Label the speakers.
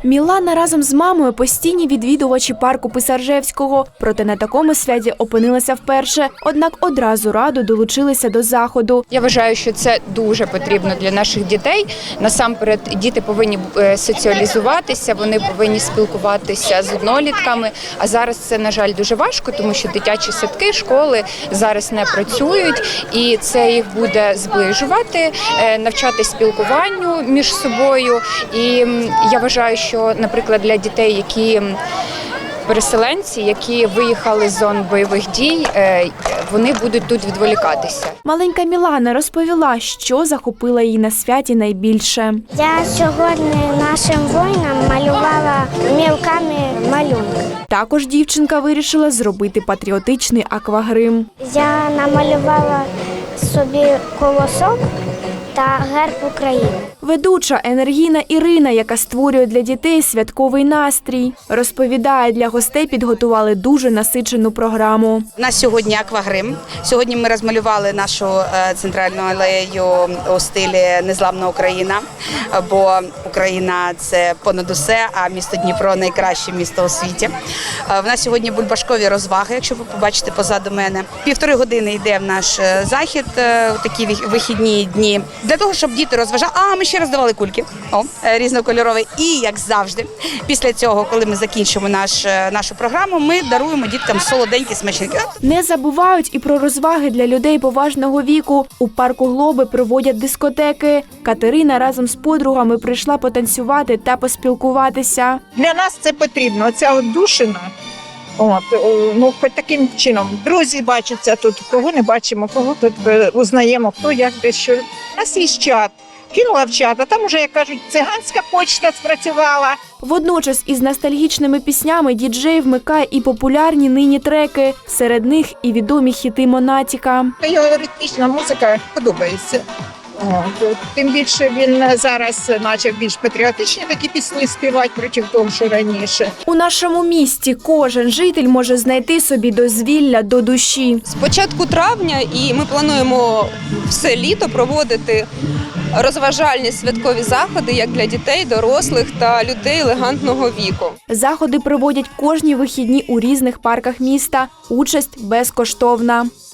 Speaker 1: Мілана разом з мамою постійні відвідувачі парку Писаржевського. Проте на такому святі опинилася вперше. Однак одразу радо долучилися до заходу.
Speaker 2: Я вважаю, що це дуже потрібно для наших дітей. Насамперед, діти повинні соціалізуватися, вони повинні спілкуватися з однолітками. А зараз це, на жаль, дуже важко, тому що дитячі садки, школи зараз не працюють. І це їх буде зближувати, навчати спілкуванню між собою. І я вважаю, що, наприклад, для дітей, які переселенці, які виїхали з зон бойових дій, вони будуть тут відволікатися.
Speaker 1: Маленька Мілана розповіла, що захопило її на святі найбільше.
Speaker 3: Я сьогодні нашим воїнам малювала мілками малюнки.
Speaker 1: Також дівчинка вирішила зробити патріотичний аквагрим.
Speaker 3: Я намалювала собі колосок та герб України.
Speaker 1: Ведуча енергійна Ірина, яка створює для дітей святковий настрій, розповідає, для гостей підготували дуже насичену програму.
Speaker 4: У нас сьогодні аквагрим. Сьогодні ми розмалювали нашу центральну алею у стилі «Незламна Україна», бо Україна – це понад усе, а місто Дніпро – найкраще місто у світі. В нас сьогодні бульбашкові розваги, якщо ви побачите позаду мене. 1,5 години йде в наш захід, такі вихідні дні, для того, щоб діти розважали. Ми ще роздавали кульки, різнокольорові. І, як завжди, після цього, коли ми закінчимо нашу програму, ми даруємо діткам солоденькі смачники.
Speaker 1: Не забувають і про розваги для людей поважного віку. У парку Глоби проводять дискотеки. Катерина разом з подругами прийшла потанцювати та поспілкуватися.
Speaker 5: Для нас це потрібно, ця отдушина. Хоч таким чином. Друзі бачаться тут, кого не бачимо, кого тут узнаємо, хто як де що. У нас є чат. Кинула в чат, а там уже, як кажуть, циганська почта спрацювала.
Speaker 1: Водночас із ностальгічними піснями діджей вмикає і популярні нині треки. Серед них і відомі хіти Монатіка.
Speaker 5: Його ритмічна музика подобається. Тим більше він зараз почав більш патріотичні такі пісні співати проти того, що раніше.
Speaker 1: У нашому місті кожен житель може знайти собі дозвілля до душі.
Speaker 6: З початку травня і ми плануємо все літо проводити розважальні святкові заходи як для дітей, дорослих та людей елегантного віку.
Speaker 1: Заходи проводять кожні вихідні у різних парках міста. Участь безкоштовна.